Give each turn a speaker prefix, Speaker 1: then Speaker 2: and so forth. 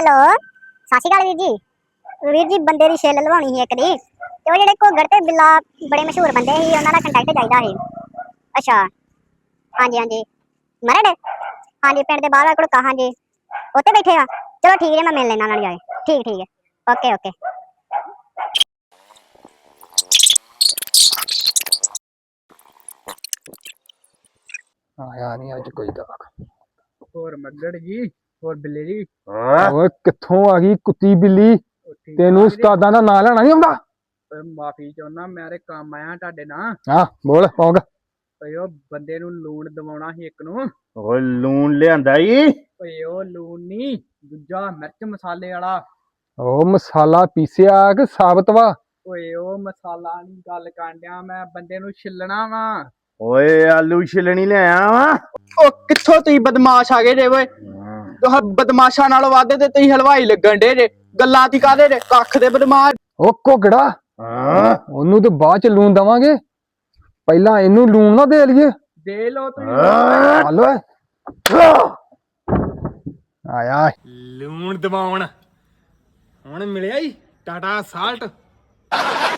Speaker 1: Hello ਸਤਿ ਸ਼੍ਰੀ ਅਕਾਲ ਵੀਰ ਜੀ ਬੰਦੇ ਦੀ ਛਿੱਲ ਲਵਾਉਣੀ ਸੀ ਇੱਕ ਦੀ ਤੇ ਉਹ ਜਿਹੜੇ ਘੁੱਗਰ ਤੇ ਬਿੱਲਾ ਬੜੇ ਮਸ਼ਹੂਰ ਬੰਦੇ ਸੀ ਉਹਨਾਂ ਦਾ ਕੰਟੈਕਟ ਚਾਹੀਦਾ ਸੀ। ਅੱਛਾ ਹਾਂਜੀ ਮਰੜ ਹਾਂਜੀ ਪਿੰਡ ਦੇ ਬਾਹਰ ਘੜੂਕਾ ਹਾਂਜੀ ਉੱਥੇ ਬੈਠੇ ਆ। ਚਲੋ ਠੀਕ ਹੈ ਮੈਂ ਮਿਲ ਲੈਣਾ ਉਹਨਾਂ ਨੂੰ ਜਾਏ। ਠੀਕ ਹੈ ਓਕੇ।
Speaker 2: ਆਇਆ ਨਹੀਂ ਅੱਜ ਕੋਈ ਗਾਹਕ।
Speaker 3: ਹੋਰ ਮੱਗੜ ਜੀ ਹੋਰ ਬਿੱਲੇ ਜੀ।
Speaker 2: ਓਏ ਕਿੱਥੋਂ ਆ ਗਈ ਕੁੱਤੀ ਬਿੱਲੀ? ਤੈਨੂੰ ਉਸਤਾਦਾਂ ਦਾ ਨਾਂ ਲੈਣਾ ਨਹੀਂ ਆਉਂਦਾ?
Speaker 3: ਮਾਫੀ ਚਾਹੁੰਦਾ ਮੈਂ ਤੇ ਕੰਮ ਆਇਆ ਤੁਹਾਡੇ ਨਾਲ।
Speaker 2: ਹਾਂ ਬੋਲ ਪੌਂਗ।
Speaker 3: ਓਏ ਉਹ ਬੰਦੇ ਨੂੰ ਲੂਣ ਦਵਾਉਣਾ ਸੀ ਇੱਕ ਨੂੰ।
Speaker 4: ਓਏ ਲੂਣ ਲਿਆਂਦਾ ਈ?
Speaker 3: ਓਏ ਉਹ ਲੂਣ ਨੀ ਦੂਜਾ ਮਿਰਚ ਮਸਾਲੇ ਵਾਲਾ।
Speaker 2: ਉਹ ਮਸਾਲਾ ਪੀਸਿਆ ਕਿ ਸਾਬਤ ਵਾ?
Speaker 3: ਓਏ ਉਹ ਮਸਾਲਾ ਨੀ ਗੱਲ ਕਰਨ ਡਿਆ ਮੈਂ ਬੰਦੇ ਨੂੰ ਛਿੱਲਣਾ ਵਾ।
Speaker 4: ਓਏ ਆਲੂ ਛਿਲਣੀ ਲਿਆਇਆ ਵਾ।
Speaker 3: ਉਹ ਕਿੱਥੋਂ ਤੁਸੀਂ ਬਦਮਾਸ਼ ਆ ਗਏ ਜੇ ਓਏ। ਬਦਮਾਸ਼ਾਂ ਨਾਲੋਂ ਵੱਧ ਤੇ ਤੁਸੀਂ ਹਲਵਾਈ ਲੱਗਣ ਡੇ ਜੇ। ਗੱਲਾਂ ਤੀ ਕਾਹਦੇ ਜੇ ਕੱਖ ਦੇ ਬਦਮਾਸ਼।
Speaker 2: ਉਹ ਘੁੱਗੜਾ ਉਹਨੂੰ ਤੇ ਬਾਅਦ ਚ ਲੂਣ ਦਵਾਂਗੇ, ਪਹਿਲਾਂ ਇਹਨੂੰ ਲੂਣ ਨਾ ਦੇ ਲਈਏ।
Speaker 3: ਦੇ ਲੋ ਤੁਸੀਂ।
Speaker 2: ਹਲੋ ਆਇਆ
Speaker 5: ਲੂਣ ਦਬਾਉਣ ਹੁਣ ਮਿਲਿਆ ਈ ਟਾਟਾ ਸਾਲਟ।